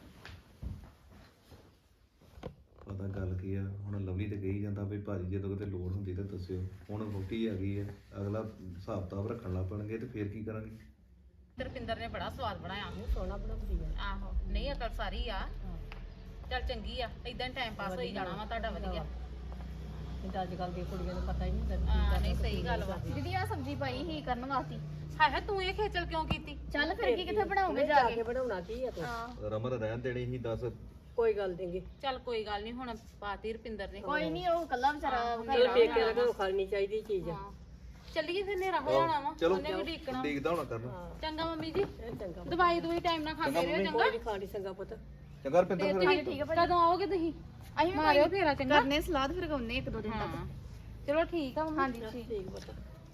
ਪਤਾ ਗੱਲ ਕੀ ਆ ਹੁਣ ਲਵਲੀ ਤੇ ਕਹੀ ਜਾਂਦਾ ਵੀ ਭਾਜੀ ਜਦੋਂ ਕਿਤੇ ਲੋੜ ਹੁੰਦੀ ਤਾਂ ਦੱਸਿਓ ਹੁਣ ਰੋਟੀ ਆ ਗਈ ਆ ਅਗਲਾ ਹਿਸਾਬ ਕਿਤਾਬ ਰੱਖਣ ਲੱਗ ਪਣਗੇ ਤੇ ਫੇਰ ਕੀ ਕਰਾਂਗੇ। ਰੁਪਿੰਦਰ ਨੇ ਬੜਾ ਸਵਾਦ ਬਣਾਇਆ। ਸੋਹਣਾ ਬਣਾਉਂਦੀ ਆ ਆਹੋ ਨਹੀਂ ਅਕਲ ਸਾਰੀ ਆ। ਚੱਲ ਚੰਗੀ ਆ ਇਦਾਂ ਟਾਈਮ ਪਾਸ ਹੋਈ ਜਾਣਾ ਵਾ ਤੁਹਾਡਾ ਵਧੀਆ। ਇਹ ਤਾਂ ਅੱਜ ਕੱਲ ਦੀਆਂ ਕੁੜੀਆਂ ਨੂੰ ਪਤਾ ਹੀ ਨਹੀਂ ਹਾਂ ਨਹੀਂ ਸਹੀ ਗੱਲ ਵਾ। ਦੀਦੀ ਆ ਸਬਜ਼ੀ ਪਾਈ ਹੀ ਕਰਨ ਵਾਸਤੇ। ਹਾਏ ਹਾਏ ਤੂੰ ਇਹ ਖੇਚਲ ਕਿਉਂ ਕੀਤੀ? ਚੱਲ ਫਿਰ ਕੀ ਕਿੱਥੇ ਬਣਾਓਗੇ ਜਾ ਕੇ? ਬਣਾਉਣਾ ਕੀ ਆ ਤੂੰ ਹਾਂ ਰਮਨ ਰਹਿਣ ਦੇਣੀ ਸੀ ਦੱਸ ਕੋਈ ਗੱਲ ਨਹੀਂ ਚੱਲ ਕੋਈ ਗੱਲ ਨਹੀਂ ਹੁਣ ਪਾਤੀ ਰੁਪਿੰਦਰ ਨੇ। ਕੋਈ ਨਹੀਂ ਉਹ ਕੱਲਾ ਵਿਚਾਰਾ ਚਲ ਪੇਕੇ ਲਗਾ ਖਾਣੀ ਚਾਹੀਦੀ ਚੀਜ਼ ਹਾਂ ਚੱਲੀਏ ਫਿਰ ਹਨੇਰਾ ਹੋ ਜਾਣਾ ਵਾ। ਚਲੋ ਉਹਨੇ ਵੀ ਢੀਕਣਾ। ਦੇਖਦਾ ਹੋਣਾ ਕਰਨਾ ਚੰਗਾ ਮੰਮੀ ਜੀ ਇਹ ਚੰਗਾ ਦਵਾਈ ਦਵਾਈ ਟਾਈਮ ਨਾਲ ਖਾਂਦੇ ਰਹੋ ਚੰਗਾ। ਕੋਈ ਨਹੀਂ ਖਾਣੀ ਚੰਗਾ ਪੁੱਤ ਚੰਗਾ ਰਪਿੰਦਰ ਤੇ ਫਿਰ ਤੁਸੀਂ ਕਦੋਂ ਆਓਗੇ ਤੁਸੀਂ? ਅਸੀਂ ਵੀ ਮਾਰਿਓ ਫੇਰਾ ਚੰਗਾ। ਕਰਨੇ ਸਲਾਦ ਫਿਰ ਗਾਉਨੇ ਇੱਕ ਦੋ ਦਿਨ ਹਾਂ ਤੱਕ। ਚਲੋ ਠੀਕ ਆ ਮੰਮੀ। ਹਾਂਜੀ ਠੀਕ। ਠੀਕ ਪੁੱਤ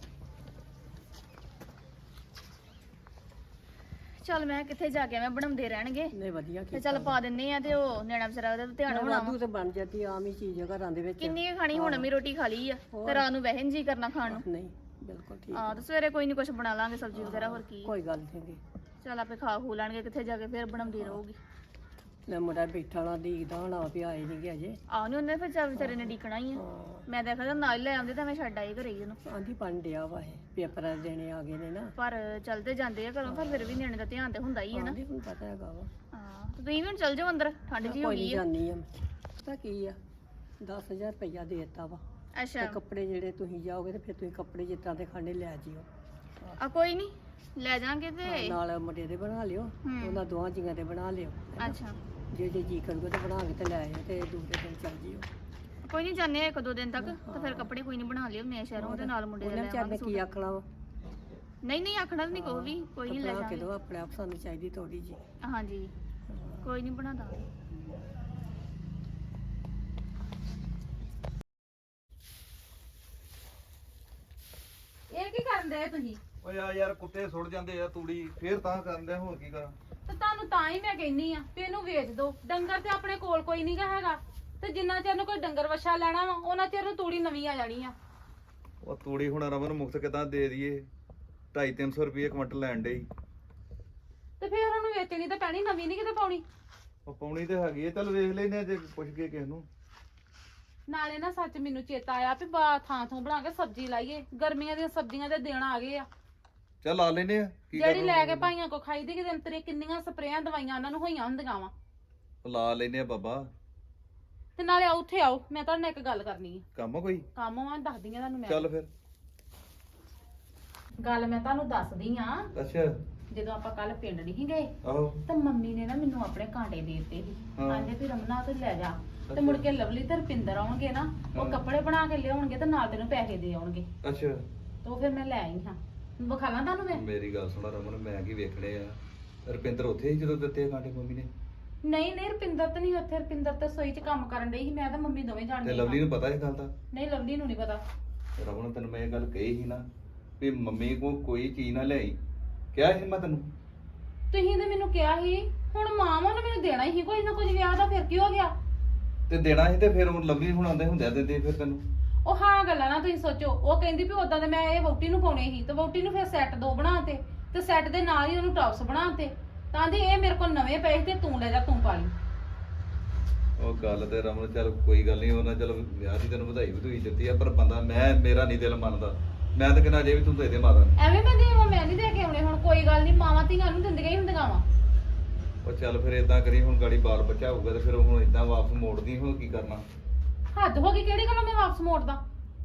ਚੱਲ ਮੈਂ ਕਿੱਥੇ ਜਾ ਕੇ ਮੈਂ ਬਣਾਉਂਦੇ ਰਹਿਣਗੇ ਨਹੀਂ ਵਧੀਆ ਤੇ ਕੀਤਾ ਚੱਲ ਪਾ ਦਿੰਨੇ ਆ ਤੇ ਉਹ ਨਿਆਣਾ ਵਿਚਾਰਾ ਉਹਦਾ ਤਾਂ ਧਿਆਨ ਹੋਣਾ ਵਾ। ਵਾਧੂ ਤੇ ਬਣ ਜਾਂਦੀ ਆਮ ਹੀ ਚੀਜ਼ ਆ ਘਰਾਂ ਦੇ ਵਿੱਚ ਕਿੰਨੀ ਕੁ ਖਾਣੀ ਹੁਣ ਵੀ ਰੋਟੀ ਖਾ ਲਈ ਆ ਤੇ ਰਾਤ ਨੂੰ ਵਹਿਨ ਜੀ ਕਰਨਾ ਖਾਣ ਨੂੰ। ਨਹੀਂ ਬਿਲਕੁਲ ਠੀਕ ਆ ਤੇ ਸਵੇਰੇ ਕੋਈ ਨਹੀਂ ਕੁਝ ਬਣਾ ਲਾਂਗੇ ਸਬਜ਼ੀ ਵਗੈਰਾ ਹੋਰ ਕੀ। ਕੋਈ ਗੱਲ ਨਹੀਂ ਚੱਲ ਆਪੇ ਖਾ ਖੂ ਲੈਣਗੇ ਕਿੱਥੇ ਜਾ ਕੇ ਫਿਰ ਬਣਾਉਂਦੀ ਰਹੂਗੀ। ਲੈ ਮੁੰਡਾ ਬੈਠਾ ਨਾ ਦੀਕਦਾ ਹੋਣਾ ਵੀ ਆਏ ਨਹੀਂ ਗੇ ਅਜੇ। ਆਹ ਨੀ ਉਹਨੇ ਫਿਰ ਚੱਲ ਵਿਚਾਰੇ ਨੇ ਡੀਕਣਾ ਹੀ ਆ। ਹਾਂ ਮੈਂ ਤਾਂ ਕਹਿੰਦਾ ਨਾਲ ਹੀ ਲੈ ਆਉਂਦੇ ਤਾਂ ਮੈਂ ਛੱਡ ਆਈ ਘਰੇ ਹੀ ਉਹਨੂੰ। ਆਂਦੀ ਬਣ ਡਿਆ ਵਾ ਇਹ ਪੇਪਰਾਂ ਦੇਣੇ ਆ ਗਏ ਨੇ ਨਾ। ਪਰ ਚਲਦੇ ਜਾਂਦੇ ਆ ਘਰੋਂ, ਪਰ ਫਿਰ ਵੀ ਨਿਆਣੇ ਦਾ ਧਿਆਨ ਤੇ ਹੁੰਦਾ ਹੀ ਹੈ ਨਾ। ਆਂਦੀ ਹੁਣ ਪਤਾ ਹੈਗਾ ਵਾ। ਹਾਂ ਤੇ ਤੁਸੀਂ ਵੀ ਹੁਣ ਚੱਲ ਜਾਓ ਅੰਦਰ, ਠੰਡ ਜੀ ਹੋ ਕੋਈ ਗਈ ਨਹੀਂ ਆ। ਜਾਨੀ ਆ ਪਤਾ ਕੀ ਆ ਦਸ ਹਜ਼ਾਰ ਰੁਪਈਆ ਦੇ ਦਿੱਤਾ ਵਾ ਤੇ ਅੱਛਾ ਕੱਪੜੇ ਜਿਹੜੇ ਤੁਸੀਂ ਜਾਓਗੇ ਤੇ ਫਿਰ ਤੁਸੀਂ ਕੱਪੜੇ ਜਿਸ ਤਰ੍ਹਾਂ ਦੇ ਖਾਣੇ ਲੈ ਜਿਓ। ਆ ਕੋਈ ਨਹੀਂ ਲੈ ਜਾਾਂਗੇ ਤੇ। ਨਾਲ ਮੁੰਡੇ ਦੇ ਬਣਾ ਲਿਓ, ਹੂੰ। ਉਹਨਾਂ ਦੋਵਾਂ ਜੀਆਂ ਦੇ ਬਣਾ ਲਿਓ। ਅੱਛਾ ਜੇ ਜੇ ਜੀ ਕਰੂਗਾ ਤੇ ਬਣਾ ਕੇ ਤੇ ਲੈ ਆਇਓ ਤੇ ਦੂਸਰੇ ਦਿਨ ਚੱਲ ਜਿਓ। ਕੋਈ ਨਹੀਂ ਜਾਂਦੇ ਆ ਇੱਕ ਦੋ ਦਿਨ ਤੱਕ ਤੇ ਫਿਰ ਕੱਪੜੇ ਕੋਈ ਨਹੀਂ ਬਣਾ ਲਿਓ ਨਏ ਸ਼ਹਿਰੋਂ, ਉਹਦੇ ਨਾਲ ਮੁੰਡੇ ਦੇ ਉਹਨੇ ਲੈ ਵਿਚਾਰ ਨੇ ਆਵਾਂਗੇ ਕੀ ਸੂਟ। ਆਖਣਾ ਵਾ ਨਹੀਂ ਨਹੀਂ ਆਖਣਾ ਨਹੀਂ ਕੋਈ ਵੀ, ਕੋਈ ਨਹੀਂ ਲੈ ਬਣਾ ਕੇ ਜਾਾਂਗੇ। ਦਿਓ ਆਪਣੇ ਆਪ, ਸਾਨੂੰ ਚਾਹੀਦੀ ਥੋੜੀ ਜੀ। ਹਾਂਜੀ ਕੋਈ ਨਹੀਂ ਬਣਾ ਦਾਂਗੇ। ਇਹ ਕੀ ਕਰਨ ਦੇ ਤੁਸੀਂ? ਓਏ ਆ ਯਾਰ ਕੁੱਤੇ ਸੁੱਟ ਜਾਂਦੇ ਆ ਤੂੜੀ, ਫੇਰ ਤਾਂ ਕਰਦੇ ਹੋਰ ਕੀ ਕਰਾਂ। ਤੇ ਤੁਹਾਨੂੰ ਤਾਂ ਹੀ ਮੈਂ ਕਹਿੰਨੀ ਆ ਵੀ ਇਹਨੂੰ ਵੇਚ ਦਿਓ। ਡੰਗਰ ਤੇ ਆਪਣੇ ਕੋਲ ਕੋਈ ਨਹੀਂ ਗਾ ਹੈਗਾ, ਤੇ ਜਿੰਨਾ ਚਿਰ ਨੂੰ ਕੋਈ ਡੰਗਰ ਵੱਛਾ ਲੈਣਾ ਵਾ ਉਹਨਾਂ ਚਿਰ ਨੂੰ ਤੂੜੀ ਨਵੀਂ ਆ ਜਾਣੀ ਆ। ਉਹ ਤੂੜੀ ਹੁਣ ਰਮਨ ਮੁਕਤ ਕਿਦਾਂ ਦੇ ਦਈਏ, ਢਾਈ ਤਿੰਨ ਸੌ ਰੁਪਏ ਕੁਇੰਟਲ ਲੈਣ ਡਈ। ਤੇ ਫਿਰ ਉਹਨੂੰ ਵੇਚਣੀ ਤਾਂ ਪੈਣੀ, ਨਵੀਂ ਨਹੀਂ ਕਿਤੇ ਪਾਉਣੀ। ਉਹ ਪਾਉਣੀ ਤੇ ਹੈਗੀ ਐ, ਚੱਲ ਵੇਖ ਲੈਨੇ ਆ ਜੇ ਪੁੱਛ ਕੇ ਕਿਸੇ ਨੂੰ। ਨਾਲੇ ਨਾ ਸੱਚ ਮੈਨੂੰ ਚੇਤਾ ਆਇਆ ਵੀ ਬਾ ਥਾਂ ਥੋਂ ਬਣਾ ਕੇ ਸਬਜ਼ੀ ਲਾਈਏ, ਗਰਮੀਆਂ ਦੀਆਂ ਸਬਜ਼ੀਆਂ ਦੇ ਦਿਨ ਆ ਗਏ ਆ। ਚੱਲ ਲਾ ਲੈਨੇ ਆ ਕੀ ਜਿਹੜੀ ਕਰਨਾ। ਲੈ ਕੇ ਭਾਈਆਂ ਕੋ ਖਾਈ ਦੀ ਕਿ ਦਿਨ ਤੇਰੇ ਕਿੰਨੀਆਂ ਸਪਰੇਆਂ ਦਵਾਈਆਂ ਉਹਨਾਂ ਨੂੰ ਹੋਈਆਂ ਹੁੰਦੀਆਂ ਵਾ। ਲਾ ਲੈਨੇ ਆ ਬਾਬਾ। ਤੇ ਨਾਲੇ ਆਓ ਉੱਥੇ ਆਓ, ਮੈਂ ਤੁਹਾਡੇ ਨਾਲ ਇੱਕ ਗੱਲ ਕਰਨੀ ਆ। ਕੰਮ ਆ ਕੋਈ? ਕੰਮ ਆ ਦੱਸਦੀ ਆ ਤੁਹਾਨੂੰ ਮੈਂ। ਚੱਲ ਫਿਰ। ਗੱਲ ਮੈਂ ਤੁਹਾਨੂੰ ਦੱਸਦੀ ਆ। ਅੱਛਾ ਜਦੋਂ ਆਪਾਂ ਕੱਲ ਪਿੰਡ ਨਹੀਂ ਗਏ ਆਹੋ ਤਾਂ ਮੰਮੀ ਨੇ ਨਾ ਮੈਨੂੰ ਆਪਣੇ ਕਾਂਟੇ ਦੇ ਦਿੱਤੇ ਸੀ। ਹਾਂ। ਕਹਿੰਦੇ ਵੀ ਰਮਨਾ ਤੇ ਲੈ ਜਾ, ਤੇ ਅੱਛਾ। ਮੁੜ ਕੇ ਲਵਲੀ ਤੇ ਰਪਿੰਦਰ ਆਉਣਗੇ ਨਾ, ਉਹ ਹਾਂ। ਕੱਪੜੇ ਬਣਾ ਕੇ ਲਿਆਉਣਗੇ ਤੇ ਨਾਲ ਤੈਨੂੰ ਪੈਸੇ ਦੇ ਆਉਣਗੇ। ਅੱਛਾ ਤੇ ਉਹ ਫਿਰ ਮੈਂ ਲੈ ਆਈ ਹਾਂ। ਵਿਖਾਲਾਂ ਤੁਹਾਨੂੰ ਮੈਂ? ਮੇਰੀ ਗੱਲ ਸੁਣਾ ਰਮਨ, ਮੈਂ ਕੀ ਵੇਖਣੇ ਆ। ਰੁਪਿੰਦਰ ਉੱਥੇ ਹੀ ਜਦੋਂ ਦਿੱਤੇ ਆ ਕਾਂਟੇ ਮੰਮੀ ਨੇ? ਨਹੀਂ ਨਹੀਂ ਰਪਿੰਦਰ ਤਾਂ ਨਹੀਂ ਉੱਥੇ, ਰਪਿੰਦਰ ਤਾਂ ਸੋਈ 'ਚ ਕੰਮ ਕਰਨ ਡਈ ਸੀ, ਮੈਂ ਤਾਂ ਮੰਮੀ ਦੋਵੇਂ ਤੇ ਜਾਣਦੇ ਲਵਲੀ ਨੂੰ ਪਤਾ ਇਹ ਗੱਲ ਦਾ? ਨਹੀਂ ਲਵਲੀ ਨੂੰ ਨਹੀਂ ਪਤਾ। ਰਮਨ ਤੈਨੂੰ ਮੈਂ ਇਹ ਗੱਲ ਕਹੀ ਸੀ ਨਾ ਵੀ ਮੰਮੀ ਕੋ ਕੋਈ ਚੀਜ਼ ਨਾ ਲਿਆਈ, ਕਿਹਾ ਸੀ ਮੈਂ ਤੈਨੂੰ। ਤੁਸੀਂ ਤੇ ਮੈਨੂੰ ਕਿਹਾ ਸੀ, ਹੁਣ ਮਾਵਾਂ ਨੇ ਮੈਨੂੰ ਦੇਣਾ ਹੀ ਕੋਈ ਨਾ ਕੁਝ ਵਿਆਹ ਦਾ, ਫਿਰ ਕੀ ਹੋ ਗਿਆ? ਤੇ ਦੇਣਾ ਸੀ ਤੇ ਫਿਰ ਉਹ ਲਵਲੀ ਹੁਣ ਆਉਂਦੇ ਹੁੰਦਿਆ ਦਿੰਦੇ ਫਿਰ ਤੈਨੂੰ। ਉਹ ਹਾਂ ਗੱਲਾਂ ਨਾ ਤੁਸੀਂ ਸੋਚੋ, ਉਹ ਕਹਿੰਦੀ ਵੀ ਉਦਾਂ ਤੇ ਮੈਂ ਇਹ ਵਹੁਟੀ ਨੂੰ ਪਾਉਣੇ ਸੀ, ਤੇ ਵਹੁਟੀ ਨੂੰ ਫਿਰ ਸੈੱਟ ਦੋ ਬਣਾਤੇ, ਤੇ ਸੈੱਟ ਦੇ ਨਾਲ ਹੀ ਉਹਨੂੰ ਟੌਪਸ ਬਣਾਤੇ। ਤਾਂ ਦੀ ਇਹ ਮੇਰੇ ਕੋਲ ਨਵੇਂ ਪਏ ਸੀ ਤੇ ਤੂੰ ਲੈ ਜਾ, ਤੂੰ ਪਾ ਲਈ। ਉਹ ਗੱਲ ਤੇ ਰਮਨ ਚੱਲ ਕੋਈ ਗੱਲ ਨਹੀਂ, ਉਹਨਾਂ ਚਲੋ ਵਿਆਹ ਦੀ ਤੈਨੂੰ ਵਧਾਈ ਵਧੂਈ ਦਿੱਤੀ ਆ, ਪਰ ਬੰਦਾ ਮੈਂ ਮੇਰਾ ਨਹੀਂ ਦਿਲ ਮੰਨਦਾ। ਮੈਂ ਤਾਂ ਕਹਿੰਦਾ ਜੇ ਵੀ ਤੂੰ ਦੇ ਦੇ ਮਾਤਾ ਨੂੰ। ਐਵੇਂ ਮੈਂ ਦੇਵਾਂ? ਮੈਂ ਨਹੀਂ ਦੇ ਕੇ ਆਉਣੇ। ਹੁਣ ਕੋਈ ਗੱਲ ਨਹੀਂ, ਮਾਵਾਂ ਧੀਆਂ ਨੂੰ ਦਿੰਦੀਆਂ ਹੀ ਹੁੰਦੀਆਂ ਵਾ। ਉਹ ਚੱਲ ਫਿਰ ਏਦਾਂ ਕਰੀ, ਹੁਣ ਗਾੜੀ ਬਾਲ ਬੱਚਾ ਹੋਊਗਾ ਤੇ ਫਿਰ ਹੁਣ ਏਦਾਂ ਵਾਪਸ ਮੋੜਦੀ ਹੋ ਕੀ ਕਰਨਾ। ਹੱਦ ਹੋ ਗਈ, ਕਿਹੜੀ ਗੱਲੋਂ ਮੈਂ ਵਾਪਸ ਮੋੜਦਾ?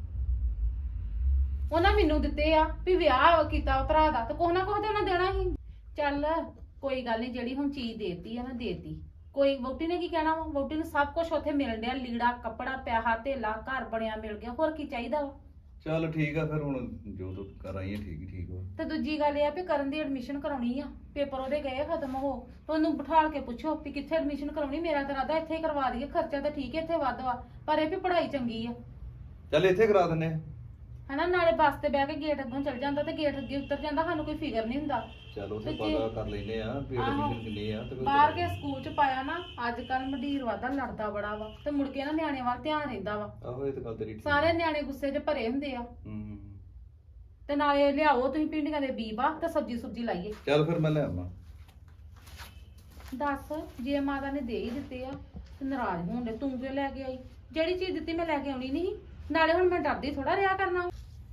ਉਹਨਾਂ ਮੈਨੂੰ ਦਿੱਤੇ ਆ ਵੀ ਵਿਆਹ ਕੀਤਾ ਭਰਾ ਦਾ, ਤੇ ਕੁਛ ਨਾ ਕੁਛ ਤੇ ਉਹਨਾਂ ਦੇਣਾ ਸੀ। ਚੱਲ ਕੋਈ ਗੱਲ ਨਹੀਂ, ਜਿਹੜੀ ਹੁਣ ਚੀਜ਼ ਦੇਤੀ ਆ ਨਾ ਦੇਤੀ। ਕੋਈ ਵਹੁਟੀ ਨੇ ਕੀ ਕਹਿਣਾ ਵਾ? ਵਹੁਟੀ ਨੂੰ ਸਭ ਕੁਝ ਉੱਥੇ ਮਿਲ ਡਿਆ, ਲੀੜਾ ਕੱਪੜਾ ਪੈਸਾ ਧੇਲਾ ਘਰ ਬਣਿਆ ਮਿਲ ਗਿਆ, ਹੋਰ ਕੀ ਚਾਹੀਦਾ ਵਾ? ਚੱਲ ਠੀਕ ਆ ਫਿਰ, ਹੁਣ ਜੋ ਤੂੰ ਕਰ ਆਈ ਹੈ ਠੀਕ ਹੀ ਠੀਕ ਵਾ। ਤੇ ਦੂਜੀ ਗੱਲ ਇਹ ਆ ਵੀ ਕਰਨ ਦੀ ਐਡਮਿਸ਼ਨ ਕਰਾਉਣੀ ਆ, ਪੇਪਰ ਉਹਦੇ ਗਏ ਖਤਮ ਹੋ, ਤੇ ਉਹਨੂੰ ਬਿਠਾਲ ਕੇ ਪੁੱਛੋ ਵੀ ਕਿੱਥੇ ਐਡਮਿਸ਼ਨ ਕਰਾਉਣੀ। ਮੇਰਾ ਤਾਂ ਇਰਾਦਾ ਇੱਥੇ ਹੀ ਕਰਵਾ ਦਈਏ, ਖਰਚਾ ਤਾਂ ਠੀਕ ਹੈ ਇੱਥੇ ਵੱਧ ਵਾ, ਪਰ ਇਹ ਵੀ ਪੜ੍ਹਾਈ ਚੰਗੀ ਆ ਚੱਲ ਇੱਥੇ ਕਰਾ ਦਿੰਨੇ ਆ। ਹਨਾ। ਨਾਲੇ ਬੱਸ ਤੇ ਬਹਿ ਕੇ ਗੇਟ ਅੱਗੋਂ ਚਲ ਜਾਂਦਾ ਤੇ ਗੇਟ ਅੱਗੇ ਉਤਰ ਜਾਂਦਾ, ਸਾਨੂੰ ਕੋਈ ਫਿਕਰ ਨਹੀਂ ਹੁੰਦਾ। ਚਲ ਉੱਥੇ ਤੇ ਜੇ- ਪਤਾ ਕਰ ਲੈਨੇ ਆ ਵੀ ਆਹੋ। ਐਡਮਿਸ਼ਨ ਕਿੰਨੀ ਆ ਤੇ ਫਿਰ ਬਾਹਰ ਕੇ ਸਕੂਲ ਚ ਪਾਇਆ ਨਾ, ਅੱਜ ਕੱਲ ਮੰਡੀਰ ਵਾਦਾ ਲੜਦਾ ਬੜਾ ਵਾ, ਤੇ ਮੁੜ ਕੇ ਨਾ ਨਿਆਣੇ ਵੱਲ ਧਿਆਨ ਰਹਿੰਦਾ ਵਾ। ਆਹੋ ਇਹ ਤਾਂ ਗੱਲ ਤੇਰੀ ਠੀਕ ਆ। ਸਾਰੇ ਨਿਆਣੇ ਗੁੱਸੇ 'ਚ ਭਰੇ ਹੁੰਦੇ ਆ। ਹੂੰ ਤੇ ਨਾਲੇ ਲਿਆਓ ਤੁਸੀਂ ਪਿੰਡੀਆਂ ਦੇ ਬੀਬਾ ਤੇ ਸਬਜੀ ਸੁਬਜੀ ਲਾਈਏ। ਚੱਲ ਫਿਰ ਮੈਂ ਲੈ ਆਵਾਂ। ਦੱਸ, ਜੇ ਮਾਤਾ ਨੇ ਦੇ ਹੀ ਦਿੱਤੇ ਆ ਤੇ ਨਾਰਾਜ਼ ਹੋਣ ਦੇ, ਤੂੰ ਕਿਉਂ ਲੈ ਕੇ ਆਈ? ਜਿਹੜੀ ਚੀਜ਼ ਦਿੱਤੀ ਮੈਂ ਲੈ ਕੇ ਆਉਣੀ ਨਹੀਂ। ਨਾਲੇ ਹੁਣ ਮੈਂ ਡਰਦੀ ਥੋੜਾ ਰਿਹਾ ਕਰਨਾ।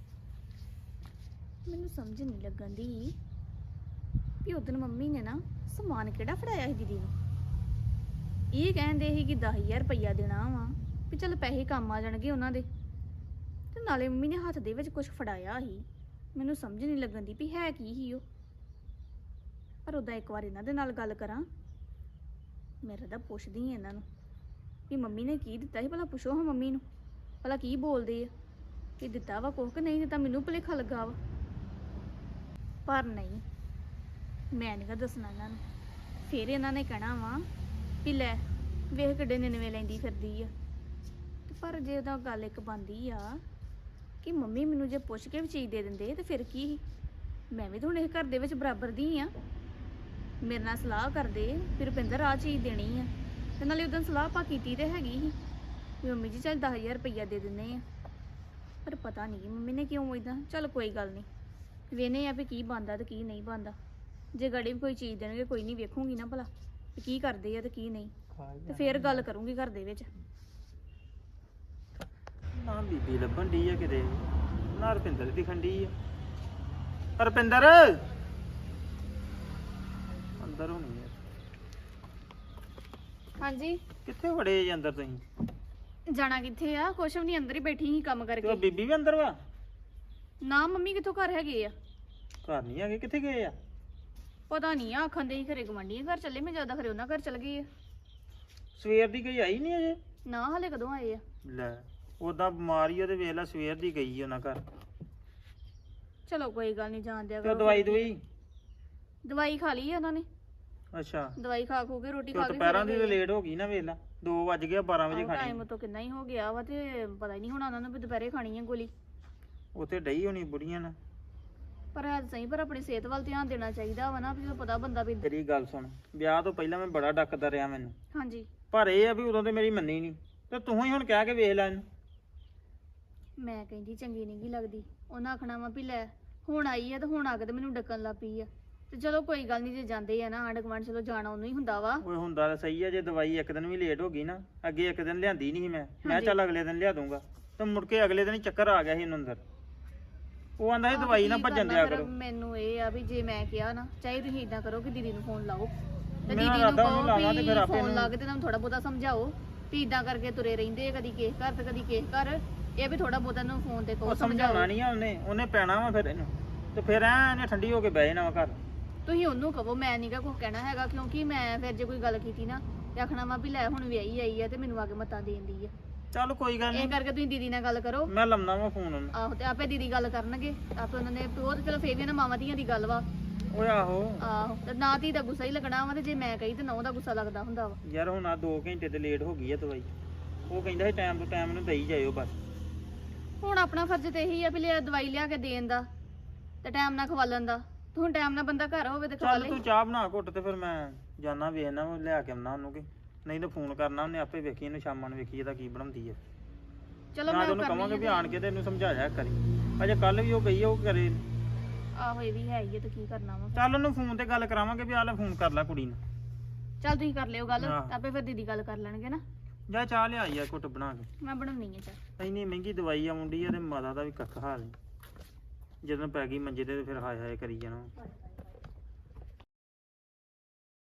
ਮੈਨੂੰ ਸਮਝ ਨਹੀਂ ਲੱਗਣ ਦੀ ਵੀ ਉਦੋਂ ਮੰਮੀ ਨੇ ਨਾ ਸਮਾਨ ਕਿਹੜਾ ਫੜਾਇਆ ਸੀ ਦੀਦੀ ਨੂੰ। ਇਹ ਕਹਿੰਦੇ ਸੀ ਕਿ ਦਸ ਹਜ਼ਾਰ ਰੁਪਈਆ ਦੇਣਾ ਵਾ, ਵੀ ਚੱਲ ਪੈਸੇ ਕੰਮ ਆ ਜਾਣਗੇ ਉਹਨਾਂ ਦੇ, ਤੇ ਨਾਲੇ ਮੰਮੀ ਨੇ ਹੱਥ ਦੇ ਵਿੱਚ ਕੁਝ ਫੜਾਇਆ ਸੀ। ਮੈਨੂੰ ਸਮਝ ਨਹੀਂ ਲੱਗਣ ਦੀ ਵੀ ਹੈ ਕੀ ਸੀ ਉਹ। ਪਰ ਉਹਦਾ ਇੱਕ ਵਾਰ ਇਹਨਾਂ ਦੇ ਨਾਲ ਗੱਲ ਕਰਾਂ, ਮੇਰਾ ਤਾਂ ਪੁੱਛਦੀ ਹਾਂ ਇਹਨਾਂ ਨੂੰ ਵੀ ਮੰਮੀ ਨੇ ਕੀ ਦਿੱਤਾ ਸੀ, ਭਲਾ ਪੁੱਛੋ ਹਾਂ ਮੰਮੀ ਨੂੰ ਭਲਾ ਕੀ ਬੋਲਦੇ ਆ, ਕਿ ਦਿੱਤਾ ਵਾ ਕੁਛ ਕਿ ਨਹੀਂ ਦਿੱਤਾ। ਮੈਨੂੰ ਭੁਲੇਖਾ ਲੱਗਾ ਵਾ, ਪਰ ਨਹੀਂ, ਮੈਂ ਨਹੀਂ ਗਾ ਦੱਸਣਾ ਇਹਨਾਂ ਨੂੰ। ਫਿਰ ਇਹਨਾਂ ਨੇ ਕਹਿਣਾ ਵਾ ਵੀ ਲੈ ਵੇਖ ਕਿੱਡੇ ਨਿਨਵੇ ਲੈਂਦੀ ਫਿਰਦੀ ਆ। ਤੇ ਪਰ ਜੇ ਉਹਦਾ ਗੱਲ ਇੱਕ ਬਣਦੀ ਆ ਕਿ ਮੰਮੀ ਮੈਨੂੰ ਜੇ ਪੁੱਛ ਕੇ ਵੀ ਚੀਜ਼ ਦੇ ਦਿੰਦੇ ਤੇ ਫਿਰ ਕੀ ਸੀ? ਮੈਂ ਵੀ ਤਾਂ ਹੁਣ ਇਹ ਘਰ ਦੇ ਵਿੱਚ ਬਰਾਬਰ ਦੀ ਆ। ਮੇਰੇ ਨਾਲ ਸਲਾਹ ਕਰਦੇ ਵੀ ਰੁਪਿੰਦਰ ਆਹ ਚੀਜ਼ ਦੇਣੀ ਆ, ਤੇ ਨਾਲੇ ਉਦੋਂ ਸਲਾਹ ਆਪਾਂ ਕੀਤੀ ਤੇ ਹੈਗੀ ਸੀ ਵੀ ਮੰਮੀ ਜੀ ਚੱਲ ਦਸ ਹਜ਼ਾਰ ਰੁਪਈਆ ਦੇ ਦਿੰਦੇ ਆ। ਪਰ ਪਤਾ ਨਹੀਂ ਮੰਮੀ ਨੇ ਕਿਉਂ ਇਦਾਂ। ਚੱਲ ਕੋਈ ਗੱਲ ਨਹੀਂ, ਵੇਨੇ ਆ ਵੀ ਕੀ ਬਣਦਾ ਤੇ ਕੀ ਨਹੀਂ ਬਣਦਾ। ਜੇ ਗੜੀ ਵੀ ਕੋਈ ਚੀਜ਼ ਦੇਣਗੇ ਕੋਈ ਨਹੀਂ, ਵੇਖੂੰਗੀ ਨਾ ਭਲਾ ਵੀ ਕੀ ਕਰਦੇ ਆ ਤੇ ਕੀ ਨਹੀਂ, ਤੇ ਫੇਰ ਗੱਲ ਕਰੂੰਗੀ ਘਰ ਦੇ ਵਿੱਚ। ਨਾ ਬੀਬੀ ਲੱਭਣ ਡਈ ਆ ਕਿਤੇ, ਨਾ ਰੁਪਿੰਦਰ ਦਿਖਣ ਡਈ ਆ। ਰੁਪਿੰਦਰ ਅੰਦਰ ਹੋਣੀ ਆ। ਹਾਂਜੀ, ਕਿੱਥੇ ਵੜੇ ਜੀ ਅੰਦਰ ਤੁਸੀਂ? ਜਾਣਾ ਕਿੱਥੇ ਆ? ਕੁਛ ਵੀ ਨਹੀਂ, ਅੰਦਰ ਹੀ ਬੈਠੀ ਸੀ ਕੰਮ ਤੇ ਉਹ ਕਰਕੇ। ਬੀਬੀ ਵੀ ਅੰਦਰ ਵਾ? ਨਾ ਮੰਮੀ ਕਿੱਥੋਂ ਘਰ ਹੈਗੇ ਆ? ਘਰ ਨਹੀਂ ਹੈਗੇ, ਕਿੱਥੇ ਗਏ ਆ? ਪਤਾ ਨਹੀਂ ਆ, ਆਖਣ ਦੇ ਹੀ ਘਰੇ ਗਵਾਂਢੀਆਂ ਘਰ ਚੱਲੇ, ਮੈਂ ਜ਼ਿਆਦਾ ਖਰੇ ਉਹਨਾਂ ਘਰ ਚਲ ਗਈ ਆ। ਸਵੇਰ ਦੀ ਗਈ ਆਈ ਨਹੀਂ ਅਜੇ? ਨਾ ਹਲੇ ਕਦੋਂ ਆਏ ਆ? ਲੈ ਉਦਾਂ ਬਿਮਾਰੀ ਉਹਦੇ ਵੇਖ ਲੈ, ਸਵੇਰ ਦੀ ਗਈ ਉਹਨਾਂ ਘਰ। ਚਲੋ ਕੋਈ ਗੱਲ ਨਹੀਂ, ਜਾਣ ਦਿਆ ਤੇ ਉਹ ਕਰੋ। ਦਵਾਈ ਦਵਾਈ? ਦਵਾਈ ਖਾ ਲਈ ਆ ਉਹਨਾਂ ਨੇ, ਅੱਛਾ, ਦਵਾਈ ਖਾ ਖੂ ਕੇ ਰੋਟੀ ਤੇ ਖਾ ਉਹ ਕੇ ਦੁਪਹਿਰਾਂ ਦੀ ਲੇਟ ਹੋ ਗਈ ਨਾ, ਵੇਖ ਲੈ ਦੋ ਵੱਜ ਗਏ, ਬਾਰਾਂ ਵਜੇ ਖਾਣੀ। ਟਾਈਮ ਤੋਂ ਕਿੰਨਾ ਹੀ ਹੋ ਗਿਆ ਵਾ, ਤੇ ਪਤਾ ਹੀ ਨਹੀਂ ਹੋਣਾ ਉਹਨਾਂ ਨੂੰ ਵੀ ਦੁਪਹਿਰੇ ਖਾਣੀ ਹੈ ਗੋਲੀ। ਉੱਥੇ ਡਈ ਹੋਣੀ ਬੁੜੀਆਂ ਨਾਲ। ਪਰ ਹੈ ਤਾਂ ਸਹੀ, ਪਰ ਆਪਣੀ ਸਿਹਤ ਵੱਲ ਧਿਆਨ ਦੇਣਾ ਚਾਹੀਦਾ ਵਾ ਨਾ, ਵੀ ਜਦੋਂ ਪਤਾ ਬੰਦਾ ਵੀ। ਤੇਰੀ ਗੱਲ ਸੁਣ, ਵਿਆਹ ਤੋਂ ਪਹਿਲਾਂ ਮੈਂ ਬੜਾ ਡੱਕਦਾ ਰਿਹਾ ਮੈਨੂੰ, ਹਾਂਜੀ, ਪਰ ਇਹ ਆ ਵੀ ਉਦੋਂ ਤੇ ਮੇਰੀ ਮੰਨੀ ਨਹੀਂ, ਤੇ ਤੂੰ ਹੀ ਹੁਣ ਕਹਿ ਕੇ ਵੇਖ ਲੈ ਇਹਨੂੰ। ਮੈਂ ਕਹਿੰਦੀ ਚੰਗੀ ਨਹੀਂ ਗੀ ਲੱਗਦੀ, ਉਹਨਾਂ ਆਖਣਾ ਵਾ ਵੀ ਲੈ ਹੁਣ ਆਈ ਆ ਤੇ ਹੁਣ ਆ ਕੇ ਤੇ ਮੈਨੂੰ ਡੱਕਣ ਲੱਗ ਪਈ ਆ। ਤੇ ਚਲੋ ਕੋਈ ਗੱਲ ਨਹੀਂ, ਜੇ ਜਾਂਦੇ ਆ ਨਾ ਆਂਢ ਗੁਆਂਢ, ਚਲੋ ਜਾਣਾ ਉਹਨੂੰ ਹੀ ਹੁੰਦਾ ਵਾ। ਓਏ ਹੁੰਦਾ ਤਾਂ ਸਹੀ ਆ, ਜੇ ਦਵਾਈ ਇੱਕ ਦਿਨ ਵੀ ਲੇਟ ਹੋ ਗਈ ਨਾ, ਅੱਗੇ ਇੱਕ ਦਿਨ ਲਿਆਂਦੀ ਨਹੀਂ ਸੀ ਮੈਂ ਮੈਂ ਹਾਂਜੀ। ਚੱਲ ਅਗਲੇ ਦਿਨ ਲਿਆ ਦੂੰਗਾ, ਤੇ ਮੁੜ ਕੇ ਅਗਲੇ ਦਿਨ ਹੀ ਚੱਕਰ ਆ ਗਿਆ ਸੀ ਇਹਨੂੰ ਅੰਦਰ। ਉਹ ਆਂਦਾ ਸੀ ਦਵਾਈ ਨਾ ਕੀ ਭੱਜਣ ਕਰਨਾ ਦਿਆ ਫਿਰ? ਕਰੋ। ਮੈਨੂੰ ਇਹ ਆ ਵੀ ਜੇ ਮੈਂ ਕਿਹਾ ਨਾ, ਚਾਹੇ ਤੁਸੀਂ ਇਦਾਂ ਕਰੋ ਕਿ ਦੀਦੀ ਨੂੰ ਫੋਨ ਲਾਓ, ਤੇ ਮੈਂ ਦੀਦੀ ਨੂੰ ਇਰਾਦਾ ਉਹਨੂੰ ਕਹੋ ਲਾਵਾਂ ਤੇ ਫਿਰ ਵੀ ਆਪੇ ਫੋਨ ਨੂੰ- ਲਾ ਕੇ ਤੇ ਤੁਹਾਨੂੰ ਥੋੜਾ ਬਹੁਤਾ ਸਮਝਾਓ ਵੀ ਇਦਾਂ ਕਰਕੇ ਤੁਰੇ ਰਹਿੰਦੇ ਆ, ਕਦੀ ਕਿਸ ਘਰ ਤੇ ਕਦੀ ਕਿਸ ਘਰ। ਇਹ ਵੀ ਥੋੜਾ ਬਹੁਤਾ ਨੂੰ ਫੋਨ ਤੇ ਉਹ ਕਹੋ, ਸਮਝਾਉਣਾ ਸਮਝਾਓ। ਨਹੀਂ ਆ ਉਹਨੇ, ਉਹਨੇ ਪੈਣਾ ਵਾ ਫਿਰ ਇਹਨੂੰ, ਤੇ ਫਿਰ ਐ ਇਹਨੇ ਠੰਡੀ ਹੋ ਕੇ ਬਹਿ ਜਾਣਾ ਵਾ ਘਰ। ਤੁਸੀਂ ਉਹਨੂੰ ਕਹੋ, ਮੈਂ ਨਹੀਂਗਾ ਕੁਝ ਕਹਿਣਾ ਹੈਗਾ, ਕਿਉਂਕਿ ਮੈਂ ਫਿਰ ਜੇ ਕੋਈ ਗੱਲ ਕੀਤੀ ਨਾ ਤੇ ਆਖਣਾ ਵਾ ਵੀ ਲੈ ਹੁਣ ਵਿਆਹੀ ਆਈ ਆ ਤੇ ਮੈਨੂੰ ਆ ਕੇ ਮਤਾਂ ਦੇਂਦੀ ਆ। ਚੱਲ ਕੋਈ ਗੱਲ ਇਹ ਨਹੀਂ, ਕਰਕੇ ਤੁਸੀਂ ਦੀਦੀ ਨਾਲ ਗੱਲ ਕਰੋ। ਮੈਂ ਲੰਮਣਾ ਵਾ ਫੋਨ ਉਹਨੂੰ। ਆਹੋ, ਤੇ ਆਪੇ ਦੀਦੀ ਗੱਲ ਕਰਨਗੇ, ਆਪੇ ਉਹਨਾਂ ਨੇ ਉਹ ਤੇ ਚਲੋ ਫੇਰ ਵੀ ਨਾ ਮਾਵਾਂ ਧੀਆਂ ਦੀ ਗੱਲ ਵਾ। ਓਏ ਆਹੋ ਆਹੋ, ਤੇ ਨਾ ਧੀ ਦਾ ਗੁੱਸਾ ਹੀ ਲੱਗਣਾ ਵਾ, ਤੇ ਜੇ ਮੈਂ ਕਹੀ ਤੇ ਨਾ ਉਹਦਾ ਗੁੱਸਾ ਲੱਗਦਾ ਹੁੰਦਾ ਵਾ। ਯਾਰ ਹੁਣ ਆ ਦੋ ਘੰਟੇ ਤੇ ਲੇਟ ਹੋ ਗਈ ਆ ਦਵਾਈ, ਉਹ ਕਹਿੰਦਾ ਸੀ ਟਾਈਮ ਤੋਂ ਟਾਈਮ ਨੂੰ ਦੇਈ ਜਾਇਓ ਬਸ। ਹੁਣ ਆਪਣਾ ਫਰਜ਼ ਤੇ ਇਹੀ ਆ ਵੀ ਲਿਆ ਦਵਾਈ ਲਿਆ ਕੇ ਦੇਣ ਦਾ ਤੇ ਟਾਈਮ ਨਾਲ ਖਵਾਲਣ ਦਾ। ਤੇ ਹੁਣ ਟਾਈਮ ਨਾਲ ਬੰਦਾ ਘਰ ਹੋਵੇ ਤੇ ਖਵਾ ਚੱਲ ਲੇ। ਤੂੰ ਚਾਹ ਬਣਾ ਘੁੱਟ, ਤੇ ਫਿਰ ਮੈਂ ਜਾਣਾ ਵੇਖਣਾ ਉਹ ਲਿਆ ਕੇ ਆਉਣਾ ਉਹਨੂੰ, ਕਿ ਨਹੀਂ ਤਾਂ ਫੋਨ ਕਰਨਾ ਉਹਨੇ ਆਪੇ, ਵੇਖੀ ਇਹਨੂੰ ਸ਼ਾਮਾਂ ਨੂੰ ਵੇਖੀ ਇਹਦਾ ਕੀ ਬਣਾਉਂਦੀ ਹੈ। ਚਲੋ ਮੈਂ ਮੈਂ ਉਹਨੂੰ ਕਵਾਂਗਾ ਵੀ ਆਣ ਕੇ ਤੇ ਇਹਨੂੰ ਸਮਝਾਇਆ ਕਰੀ, ਅਜੇ ਕੱਲ ਵੀ ਉਹ ਗਈ ਆ, ਉਹ ਕਰੇ। ਆਹੋ, ਇਹ ਵੀ ਹੈ ਹੀ ਆ, ਤੇ ਕੀ ਕਰਨਾ ਵਾ। ਚੱਲ ਉਹਨੂੰ ਫੋਨ ਤੇ ਗੱਲ ਕਰਾਵਾਂਗੇ ਵੀ ਆ ਲੈ ਫੋਨ ਕਰ ਲੈ ਕੁੜੀ ਨੂੰ। ਚੱਲ ਤੁਸੀਂ ਕਰ ਲਿਓ ਗੱਲ, ਆਹ। ਆਪੇ ਫਿਰ ਦੀਦੀ ਗੱਲ ਕਰ ਲੈਣਗੇ ਨਾ। ਜਾ ਚਾਹ ਲਿਆ ਯਾਰ ਘੁੱਟ ਬਣਾ ਕੇ। ਮੈਂ ਬਣਾਉਣੀ ਆ ਚਾਹ। ਇੰਨੀ ਮਹਿੰਗੀ ਦਵਾਈ ਆ ਮੁੰਡੀ ਆ, ਤੇ ਮਾਤਾ ਦਾ ਵੀ ਕੱਖ ਹਾਲ ਨਹੀਂ, ਜਦੋਂ ਪੈ ਗਈ ਮੰਜੇ ਤੇ ਫਿਰ ਹਾਏ ਹਾਏ ਕਰੀ ਜਾਣਾ।